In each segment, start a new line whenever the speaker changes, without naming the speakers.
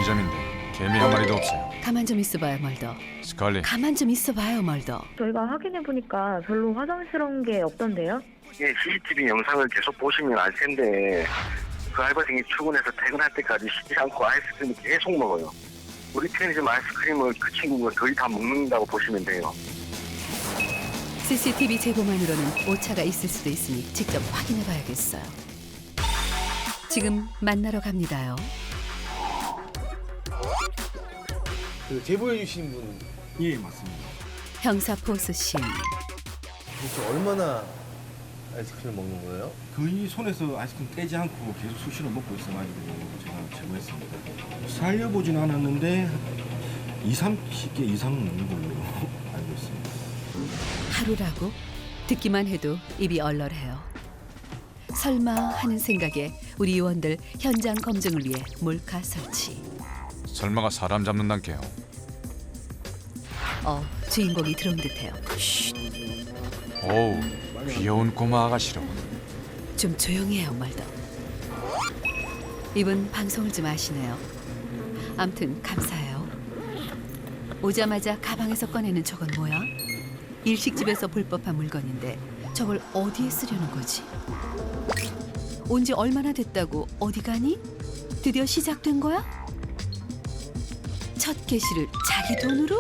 편의점인데 개미 한 마리도 없어요.
가만 좀 있어봐요, 멀더.
스칼리,
가만 좀 있어봐요, 멀더.
저희가 확인해 보니까 별로 화장스러운 게 없던데요?
예, CCTV 영상을 계속 보시면 알 텐데 그 알바생이 출근해서 퇴근할 때까지 쉬지 않고 아이스크림을 계속 먹어요. 우리 편의점 아이스크림을 그 친구가 거의 다 먹는다고 보시면 돼요.
CCTV 제보만으로는 오차가 있을 수도 있으니 직접 확인해봐야겠어요. 지금 만나러 갑니다요.
그 제보해 주신 분
예, 맞습니다.
형사포수심.
도대체 얼마나 아이스크림을 먹는 거예요?
거의 손에서 아이스크림 떼지 않고 계속 수시로 먹고 있어가지고 제가 제보했습니다. 살려보진 않았는데 30개 이상 먹는 걸로 알고 있습니다.
하루라고? 듣기만 해도 입이 얼얼해요. 설마 하는 생각에 우리 요원들 현장 검증을 위해 몰카 설치.
설마가 사람 잡는 단계요.
주인공이 들어온 듯해요. 쉿,
오우, 귀여운 꼬마 아가씨로.
좀 조용히 해요, 멀더. 이분 방송을 좀 아시네요. 암튼 감사해요. 오자마자 가방에서 꺼내는 저건 뭐야? 일식집에서 볼 법한 물건인데 저걸 어디에 쓰려는 거지? 온 지 얼마나 됐다고 어디 가니? 드디어 시작된 거야? 첫 개시를 자기 돈으로?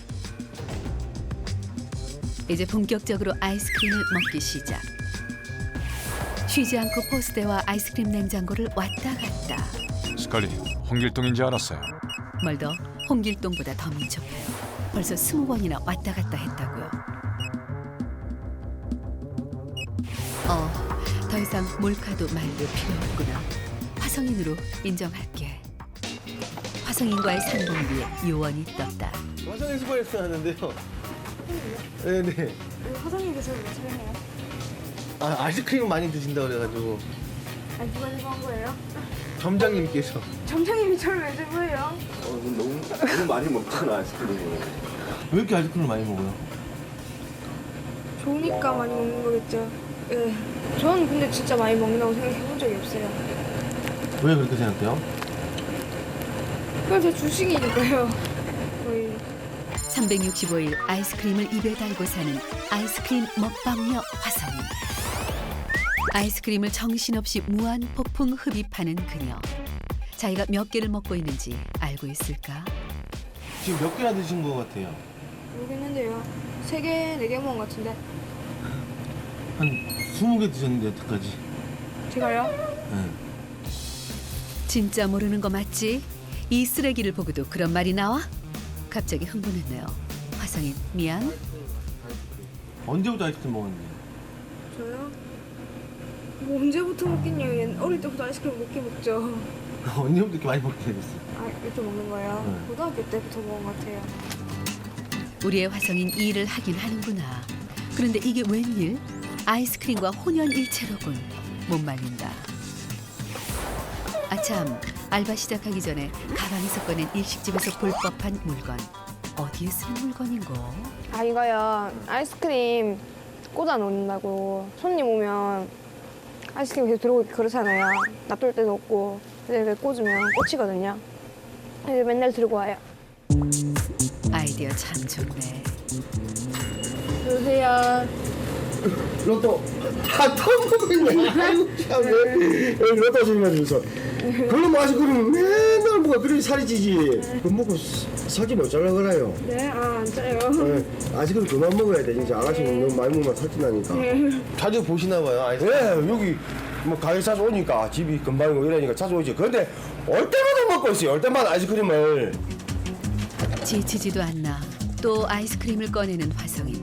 이제 본격적으로 아이스크림을 먹기 시작. 쉬지 않고 포스대와 아이스크림 냉장고를 왔다 갔다.
스칼리, 홍길동인지 알았어요.
멀더 홍길동보다 더 민첩해요. 벌써 20번이나 왔다 갔다 했다고요. 더 이상 몰카도 말도 필요 없구나. 화성인으로 인정할게. 화성인과의 상봉비에 요원이 떴다.
화성인 수고했어 하는데요. 네네.
화성님께서 왜 촬영해요?
아, 아이스크림 많이 드신다 그래가지고
아니 누가 제보한 거예요?
점장님께서.
점장님이 저를 왜 제보해요?
너무 많이 먹잖아, 아이스크림을.
왜 이렇게 아이스크림을 많이 먹어요?
좋으니까 많이 먹는 거겠죠. 예. 저는 근데 진짜 많이 먹는다고 생각해 본 적이 없어요.
왜 그렇게 생각해요?
그건 제 주식이니까요. 거의
365일 아이스크림을 입에 달고 사는 아이스크림 먹방녀 화성인. 아이스크림을 정신없이 무한 폭풍 흡입하는 그녀. 자기가 몇 개를 먹고 있는지 알고 있을까?
지금 몇 개나 드신 것 같아요?
모르겠는데요. 3개, 4개 먹은 것 같은데.
한 20개 드셨는데 여태까지.
제가요?
네.
진짜 모르는 거 맞지? 이 쓰레기를 보고도 그런 말이 나와? 갑자기 흥분했네요. 화성인 미안.
언제부터 아이스크림 먹었는데?
저요? 뭐 언제부터 먹겠냐. 어릴 때부터 아이스크림 먹긴 먹죠.
언제부터 이렇게 많이 먹게 됐어요?
아, 이렇게 먹는 거예요?
네.
고등학교 때부터 먹은 것 같아요.
우리의 화성인 이 일을 하긴 하는구나. 그런데 이게 웬일? 아이스크림과 혼연일체로군. 못 말린다. 아참, 알바 시작하기 전에 가방에서 꺼낸 일식집에서 볼 법한 물건. 어디에 쓰는 물건인고?
아, 이거요. 아이스크림 꽂아 놓는다고. 손님 오면 아이스크림 계속 들어오고 그러잖아요. 놔둘 데도 없고. 근데 이렇게 꽂으면 꽂히거든요. 그래서 맨날 들고 와요.
아이디어 참 좋네.
여보세요.
로또 또 먹고 있네. 아이고 참 여기 로또 주면서 그걸로 아이스크림 맨날 먹어. 그래 살이 찌지. 그거 먹고 살찌 못 잘라 그래요.
네? 아, 안 짜요.
아이스크림 그만 먹어야 돼. 진짜 아가씨는 너무 많이 먹으면 살찐다니까.
자주 보시나 봐요,
예,
아이스크림.
여기 뭐 가게 자주 오니까 집이 금방이고 이러니까 자주 오지. 그런데 올 때마다 먹고 있어요. 올 때마다 아이스크림을.
지치지도 않나. 또 아이스크림을 꺼내는 화성인.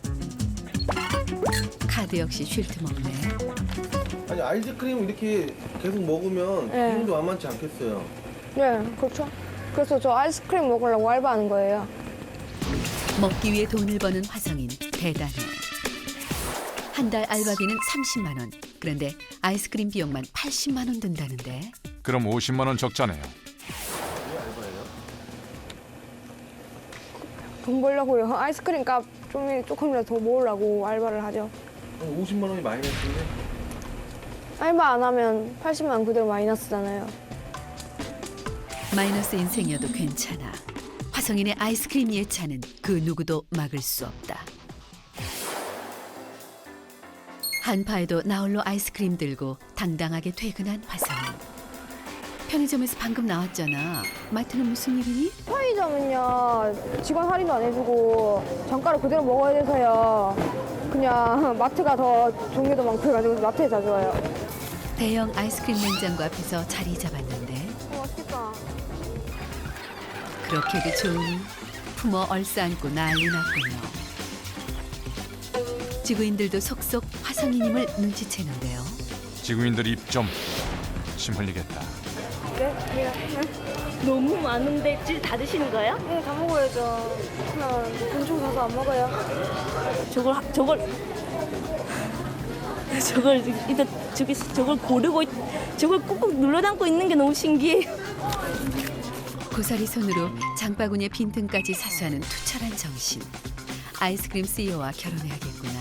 카드 역시 쉴 틈 없네.
아니 아이스크림 이렇게 계속 먹으면
네.
기분도 만만치 않겠어요.
네, 그렇죠. 그래서 저 아이스크림 먹으려고 알바하는 거예요.
먹기 위해 돈을 버는 화성인 대단해. 한 달 알바비는 30만 원. 그런데 아이스크림 비용만 80만 원 든다는데.
그럼 50만 원 적자네요.
돈 벌려고요. 아이스크림 값 조금이라도 더 모으려고 알바를 하죠.
50만 원이 마이너스인데?
알바 안 하면 80만 원 그대로 마이너스잖아요.
마이너스 인생이어도 괜찮아. 화성인의 아이스크림 예찬은 그 누구도 막을 수 없다. 한파에도 나홀로 아이스크림 들고 당당하게 퇴근한 화성인. 편의점에서 방금 나왔잖아. 마트는 무슨 일이니?
편의점은요 직원 할인도 안 해주고 정가를 그대로 먹어야 돼서요. 그냥 마트가 더 종류도 많고 해가지고 마트에 자주 와요.
대형 아이스크림 냉장고 앞에서 자리 잡았는데
맛있겠다.
그렇게도 좋으니 품어 얼싸안고 난리 났군요. 지구인들도 속속 화성인임을 눈치채는데요.
지구인들 입 좀 침 흘리겠다.
너무 많은데 다 드시는 거예요?
네, 다 먹어야죠. 그냥 돈 주고 사서 안 먹어요.
저걸 고르고 저걸 꾹꾹 눌러 담고 있는 게 너무 신기해요.
고사리 손으로 장바구니의 빈틈까지 사수하는 투철한 정신. 아이스크림 CEO와 결혼해야겠구나.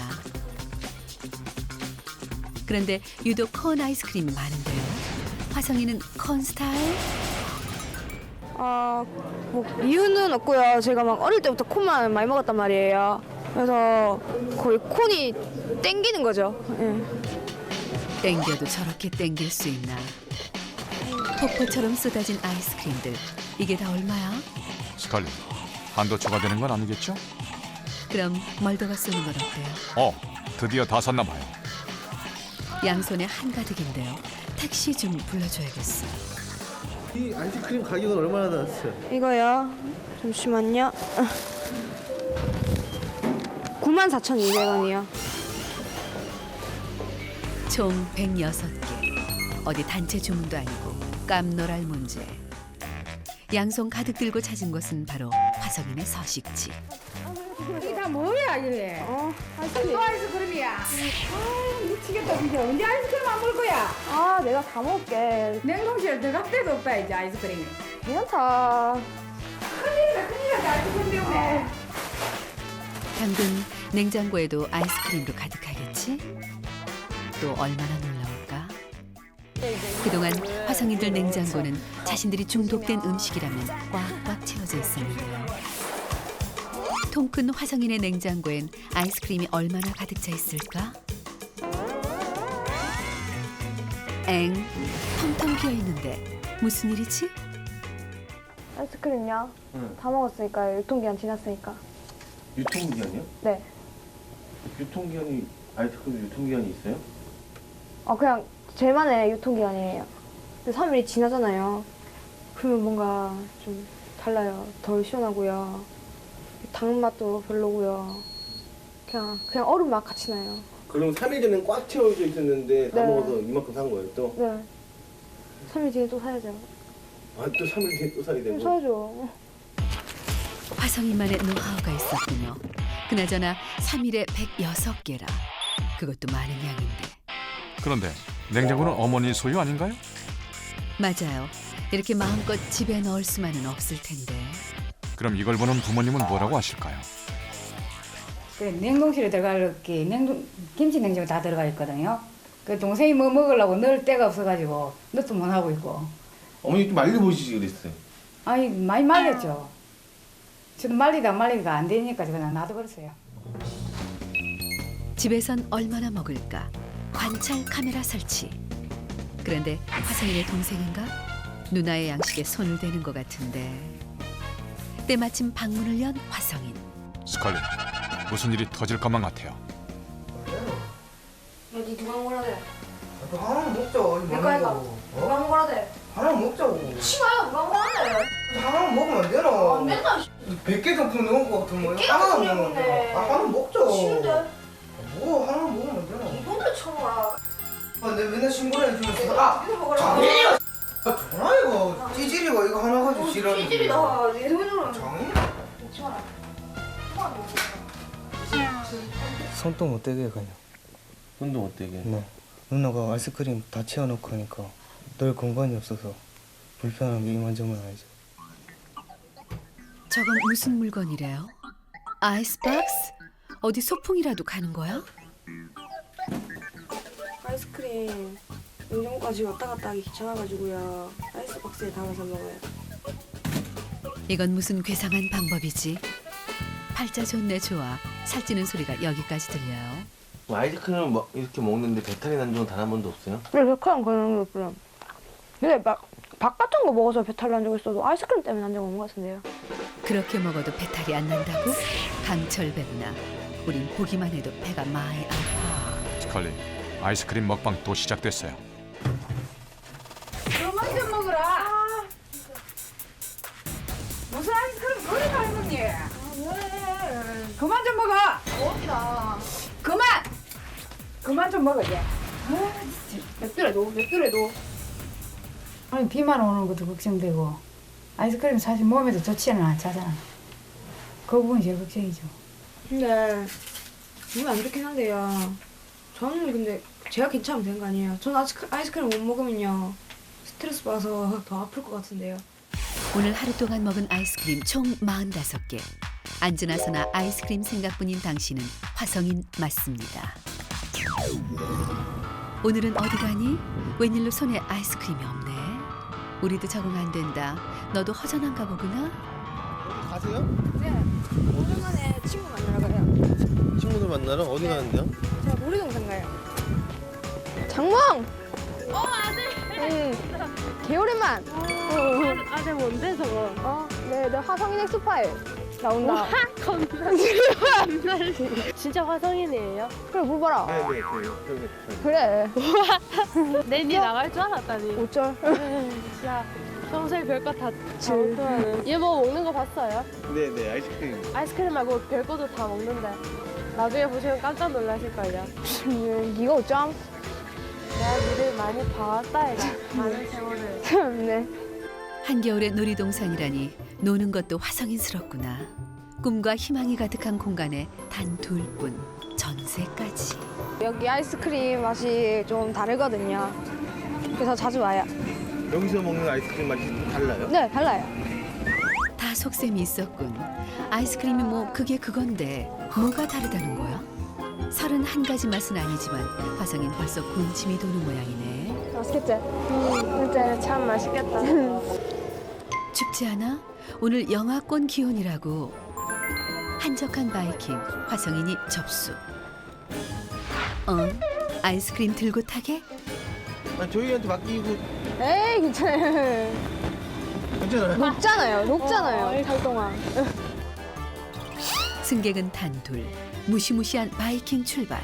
그런데 유독 콘 아이스크림이 많은데요. 화성이는 콘 스타일?
뭐 이유는 없고요. 제가 막 어릴 때부터 콘만 많이 먹었단 말이에요. 그래서 거의 콘이 땡기는 거죠. 예.
땡겨도 저렇게 땡길 수 있나. 폭포처럼 쏟아진 아이스크림들. 이게 다 얼마야?
스칼리, 한도 초과되는 건 아니겠죠?
그럼 멀더가 쏘는 건 어때요?
드디어 다 샀나 봐요.
양손에 한가득인데요. 택시 좀 불러줘야겠어.
이 아이스크림 가격은 얼마나 나왔어요?
이거요. 잠시만요. 94,200원이요.
총 106개. 어디 단체 주문도 아니고 깜놀할 문제. 양손 가득 들고 찾은 곳은 바로 화성인의 서식지.
이게 다 뭐야 이게?
아이스크림.
또 아이스크림이야. 아 미치겠다 진짜. 언제 아이스크림 안 먹을 거야?
내가 다 먹을게.
냉동실에 들어갈 데도 없다 이제 아이스크림이.
괜찮다.
큰일이다 아이스크림 때문에.
당근 냉장고에도 아이스크림도 가득하겠지? 또 얼마나 놀라울까? 그동안 화성인들 냉장고는 자신들이 중독된 음식이라면 꽉꽉 채워져 있었는데요. 통큰 화성인의 냉장고엔 아이스크림이 얼마나 가득 차 있을까? 엥, 텅텅 비어 있는데 무슨 일이지?
아이스크림요?
응.
다 먹었으니까요. 유통기한 지났으니까.
유통기한이요?
네.
유통기한이 아이스크림 유통기한이 있어요?
그냥 제만의 유통기한이에요. 근데 3일이 지나잖아요. 그러면 뭔가 좀 달라요. 덜 시원하고요. 당 맛도 별로고요. 그냥 얼음 맛 같이 나요.
그럼 3일 전엔 꽉 채워져 있었는데 다
네.
먹어서 이만큼 산 거예요 또?
네. 3일 뒤에 또 사야죠.
또 3일 뒤에 또 사게 되고?
사야죠.
화성인만의 노하우가 있었군요. 그나저나 3일에 106개라. 그것도 많은 양인데.
그런데 냉장고는 어머니 소유 아닌가요?
맞아요. 이렇게 마음껏 집에 넣을 수만은 없을 텐데.
그럼 이걸 보는 부모님은 뭐라고 하실까요?
그래 냉동실에 들어갈 게 김치 냉장고 다 들어가 있거든요. 그 동생이 뭐 먹으려고 넣을 데가 없어가지고 넣도 못 하고 있고.
어머니 좀 말려보시지 그랬어요.
아니 많이 말렸죠. 저도 말리다 말리기가 안 되니까 그냥 놔둬버렸어요.
집에선 얼마나 먹을까? 관찰 카메라 설치. 그런데 화성인의 동생인가? 누나의 양식에 손을 대는 것 같은데. 때마침 방문을 연 화성인.
스칼리, 무슨 일이 터질 것만 같아요.
니 누가 먹으라 돼?
하나는 먹자.
내거 해가. 누가 먹으라 돼?
하나는 먹자고.
치마야 누가 먹으라 돼?
하나는 먹으면 안 되나?
안 된다.
100개 상품 넣은 거 같으면
100개
하나는
상품
먹는
넣었네.
거. 하나는 먹자.
쉬운데?
뭐 하나는 먹으면 안 되나?
이번에 쳐먹어라.
내가 맨날 신고를 해주면서
이거 먹으라.
장인이가 전화 이거 찌질이가 이거 하나 가지고 지랄이.
찌질이다. 내 돈으로.
장인?
먹지 마라.
손도 못 대게 그냥.
손도 못 대게.
네. 누나가 아이스크림 다 채워놓고 하니까 늘 공간이 없어서 불편한 게 이만저만 아니죠.
저건 무슨 물건이래요? 아이스박스? 어디 소풍이라도 가는 거야?
아이스크림 냉장고까지 왔다 갔다 하기 귀찮아가지고요. 아이스박스에 담아서 먹어요.
이건 무슨 괴상한 방법이지? 팔자 좋네 좋아. 살찌는 소리가 여기까지 들려요.
아이스크림을 이렇게 먹는데 배탈이 난 적은 단 한 번도 없어요?
그래, 백화점 그런 게 없어요. 근데 막 밥 같은 거 먹어서 배탈 난 적 있어도 아이스크림 때문에 난 적 없는 것 같은데요.
그렇게 먹어도 배탈이 안 난다고? 강철 배구나. 우린 보기만 해도 배가 많이 아파.
스칼리, 아이스크림 먹방 또 시작됐어요.
그만 좀 먹어라. 무슨 아이스크림 그리 많이 먹니? 그만 좀 먹어. 없다. 그만 좀 먹어 이제.
몇 줄에도.
아니 비만 오는 것도 걱정되고 아이스크림 사실 몸에도 좋지는 않잖아. 그 부분이 제일 걱정이죠.
근데 몸이 안 좋긴 한데요. 저는 근데 제가 괜찮으면 되는 거 아니에요. 저는 아이스크림 못 먹으면요 스트레스 받아서 더 아플 것 같은데요.
오늘 하루 동안 먹은 아이스크림 총 45개. 앉으나서나 아이스크림 생각뿐인 당신은 화성인 맞습니다. 오늘은 어디 가니? 웬일로 손에 아이스크림이 없네. 우리도 적응 안 된다. 너도 허전한가 보구나.
가세요?
네. 오랜만에 친구 만나러 가요.
친구들 만나러 어디 가는데요?
제가 놀이동산 가요. 장몽! 아들! 개오랜만!
아들 뭔데 저거?
네, 화성인 엑스파일 나온다.
진짜 화성인이에요?
그래, 물어봐라.
네네
그래.
내니 나갈 줄 알았다니.
어쩔.
진짜 평소에 별거 다 못하는. 얘 뭐 먹는 거 봤어요?
네네 아이스크림.
아이스크림 말고 별거도 다 먹는데. 나중에 보시면 깜짝 놀라실걸요.
니가 어쩜?
내가 니를 많이 봐왔다 얘가. 많은 세월을.
참네.
한겨울의 놀이동산이라니 노는 것도 화성인스럽구나. 꿈과 희망이 가득한 공간에 단 둘뿐 전세까지.
여기 아이스크림 맛이 좀 다르거든요. 그래서 자주 와요.
여기서 먹는 아이스크림 맛이 달라요?
네, 달라요.
다 속셈이 있었군. 아이스크림이 뭐 그게 그건데 뭐가 다르다는 거야? 31가지 맛은 아니지만 화성인 벌써 군침이 도는 모양이네.
맛있겠지?
진짜 참 맛있겠다.
춥지 않아? 오늘 영하권 기온이라고. 한적한 바이킹 화성인이 접수. 아이스크림 들고 타게?
저희한테 맡기고
에이, 괜찮아요.
괜찮아요?
녹잖아요. 달 동안.
승객은 단둘. 무시무시한 바이킹 출발.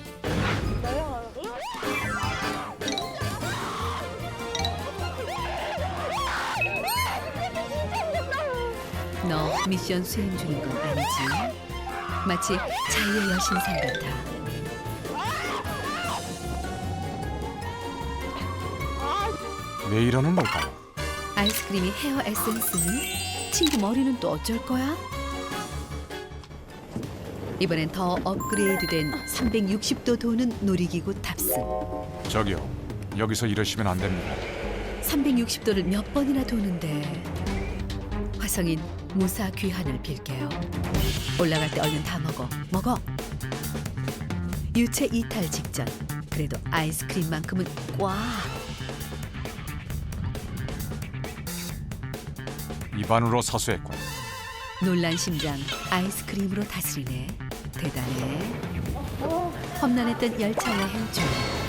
너 미션 수행 중인 건 아니지? 마치 자유의 여신상 같아.
왜 이러는 걸까요?
아이스크림이 헤어 에센스니? 친구 머리는 또 어쩔 거야? 이번엔 더 업그레이드된 360도 도는 놀이기구 탑승.
저기요, 여기서 이러시면 안 됩니다.
360도를 몇 번이나 도는데. 화성인 무사 귀환을 빌게요. 올라갈 때 얼른 다 먹어. 유체 이탈 직전. 그래도 아이스크림만큼은 꽉.
입안으로 사수했군.
놀란 심장 아이스크림으로 다스리네. 대단해. 험난했던 열차 여행 중.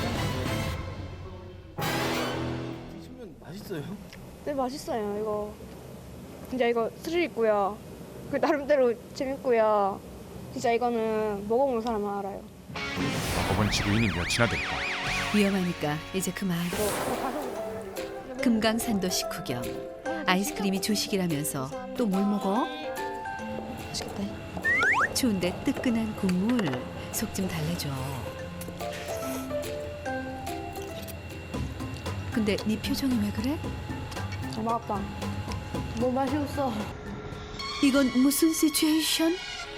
드시면 맛있어요?
네, 맛있어요, 이거. 진짜 이거 스릴 있고요. 그 나름대로 재밌고요. 진짜 이거는 먹어본 사람만 알아요.
먹어본 지구인이 몇이나 될까?
위험하니까 이제 그만. 금강산도 식후경. 아이스크림이 조식이라면서 또 뭘 먹어?
맛있겠다.
추운데 뜨끈한 국물. 속 좀 달래줘. 근데 네 표정이 왜 그래?
맛없다.
뭐 맛이 없어.
이건 무슨 시츄에이션?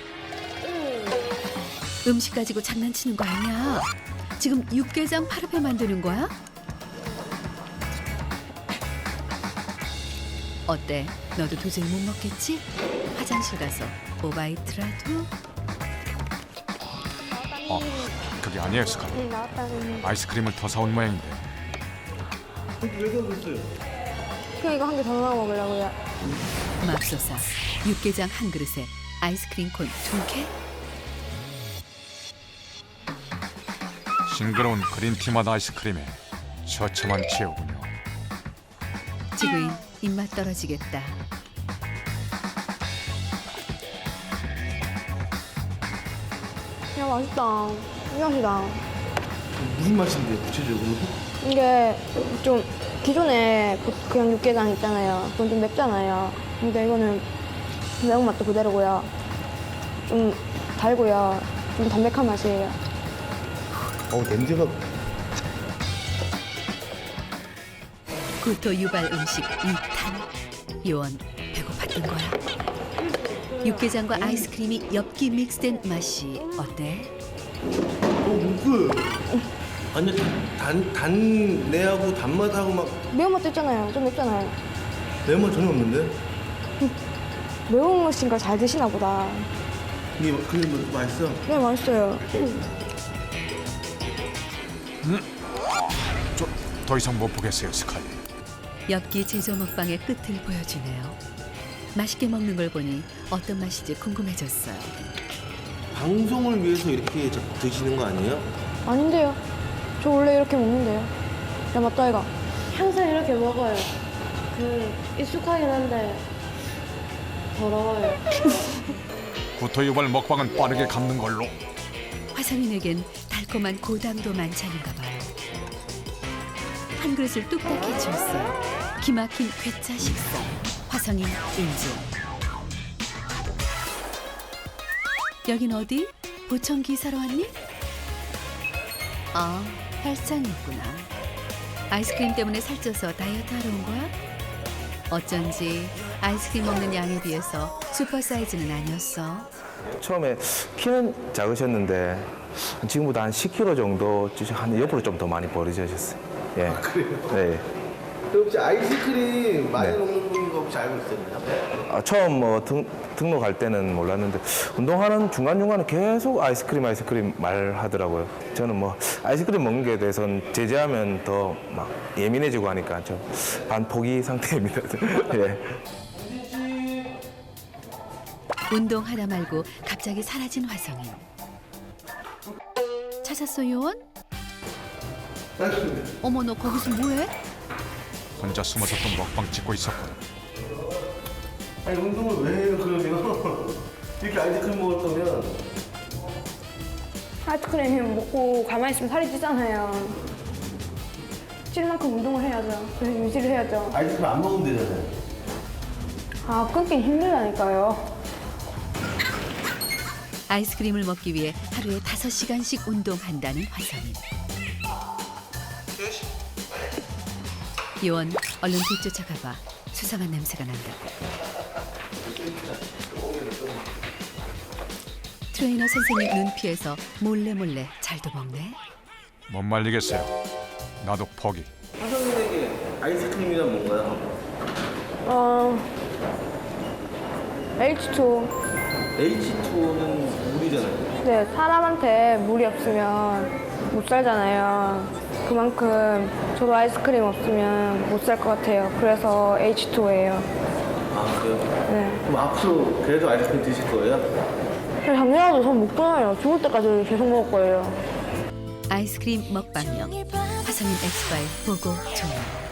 음식 가지고 장난치는 거 아니야. 지금 육개장 파르페 만드는 거야? 어때? 너도 도저히 못 먹겠지? 화장실 가서 오바이트라도?
그게 아니에요, 스칼리.
응, 나왔다는.
아이스크림을 더 사온 모양인데.
왜 그러고 있어요?
그냥 이거 한 개 더 넣어 먹으려고요.
맙소사 육개장 한 그릇에 아이스크림 콘 2개?
싱그러운 그린티맛 아이스크림에 처참한 최후군요.
지구인 입맛 떨어지겠다.
야, 맛있다. 이 맛이다.
무슨 맛인데 구체적으로?
이게 좀 기존에 그냥 육개장 있잖아요. 그건 좀 맵잖아요. 근데 이거는 매운맛도 그대로고요. 좀 달고요. 좀 담백한 맛이에요.
냄새가
구토 유발 음식 2탄. 요원 배고팠던 거야. 육개장과 아이스크림이 엽기 믹스된 맛이 어때?
무슨 완전 단내하고 단맛하고 막
매운맛도 있잖아요. 좀 맵잖아요.
매운맛 전혀 없는데?
매운 맛인 걸 잘 드시나 보다.
이게 그게 뭐 맛있어?
네, 맛있어요.
더 이상 못 보겠어요, 스칼리.
엽기 제조 먹방의 끝을 보여주네요. 맛있게 먹는 걸 보니 어떤 맛인지 궁금해졌어요.
방송을 위해서 이렇게 드시는 거 아니에요?
아닌데요. 저 원래 이렇게 먹는데요. 야, 맞다, 이거.
항상 이렇게 먹어요. 익숙하긴 한데 더러워요.
구토 유발 먹방은 빠르게 갚는 걸로.
화성인에겐 달콤한 고당도 만찬인가 봐요. 한 그릇을 뚝딱 해치웠어요. 기막힌 괴짜 식사. 화성인 인증. 여긴 어디? 보청기 사러 왔니? 아, 헬창이었구나. 아이스크림 때문에 살쪄서 다이어트 하러 온 거야? 어쩐지 아이스크림 먹는 양에 비해서 슈퍼 사이즈는 아니었어.
처음에 키는 작으셨는데 지금보다 한 10kg 정도 한 옆으로 좀 더 많이 버리셨어요. 예.
그래요?
네.
혹시 아이스크림 많이
네.
먹는 거 혹시 알고 있었나요?
처음 뭐 등록할 때는 몰랐는데 운동하는 중간중간에 계속 아이스크림 말하더라고요. 저는 뭐 아이스크림 먹는 게 대해서는 제재하면 더 막 예민해지고 하니까 좀 반포기 상태입니다. 예.
운동 하다 말고 갑자기 사라진 화성인. 찾았어 요원? 어머 너 거기서 뭐해?
혼자 숨어서 또 먹방 찍고 있었거든.
아니 운동을 왜 해요 그러면? 이렇게 아이스크림 먹을 거면
아이스크림 먹고 가만히 있으면 살이 찌잖아요. 찔 만큼 운동을 해야죠. 그래서 유지를 해야죠.
아이스크림 안 먹으면 되잖아요.
아, 끊긴 힘들다니까요.
아이스크림을 먹기 위해 하루에 5시간씩 운동한다는 화성인. 요원 얼른 뒤쫓아가봐. 수상한 냄새가 난다. 트레이너 선생님 눈 피해서 몰래 잘도 먹네.
못 말리겠어요. 나도 포기.
화성인에게 아이스크림이란 뭔가요?
H2O.
H2O는 물이잖아요.
네, 사람한테 물이 없으면 못 살잖아요. 그만큼 저도 아이스크림 없으면 못 살 것 같아요. 그래서 H2O예요.
아 그래요?
네.
그럼 앞으로 계속 아이스크림 드실 거예요?
작년에도 전 못 끊어요. 죽을 때까지 계속 먹을 거예요.
아이스크림 먹방용 화성인 엑스파일 보고 종료.